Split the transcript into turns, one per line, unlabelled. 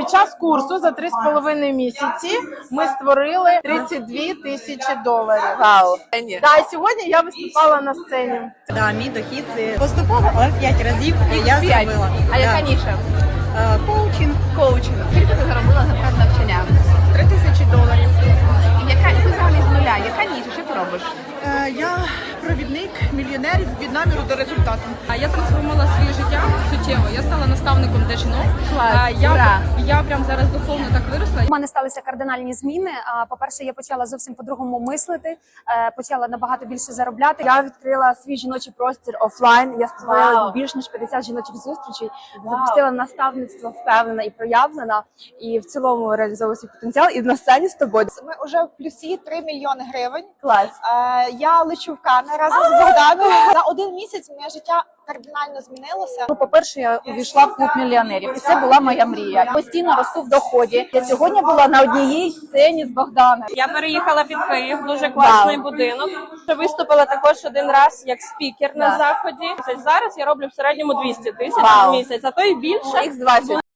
Під час курсу за 3,5 місяці ми створили 32 тисячі доларів.
Вау.
Да, і сьогодні я виступала на сцені.
Да, мій дохід це поступово, але 5 разів я зробила.
А яка ніша?
Коучинг.
Коучинг. Скільки ти заробила за час навчання?
3 тисячі доларів.
Яка ти взагалі з нуля? Яка ніша? Що ти робиш?
Я провідник мільйонерів від наміру до результату.
Я трансформувала своє життя суттєво. Я стала наставником для жінок. Я прям зараз духовно так виросла.
У мене сталися кардинальні зміни. По-перше, я почала зовсім по-другому мислити, почала набагато більше заробляти. Я відкрила свій жіночий простір офлайн. Я створила більш ніж 50 жіночих зустрічей, запустила наставництво впевнена і проявлена, і в цілому реалізовую свій потенціал. І на сцені з тобою.
Ми вже в плюсі 3 мільйони гривень.
Клас.
Я лечу в Канни разом з Богданом. За 1 місяць моє життя кардинально змінилося.
По-перше, я увійшла в клуб мільйонерів, і це була моя мрія. Я постійно росту в доході. Я сьогодні була на одній сцені з Богданом.
Я переїхала під Київ, дуже класний будинок. Виступила також один раз як спікер на заході. Зараз я роблю в середньому 200 тисяч в місяць, а то і більше.
Х20.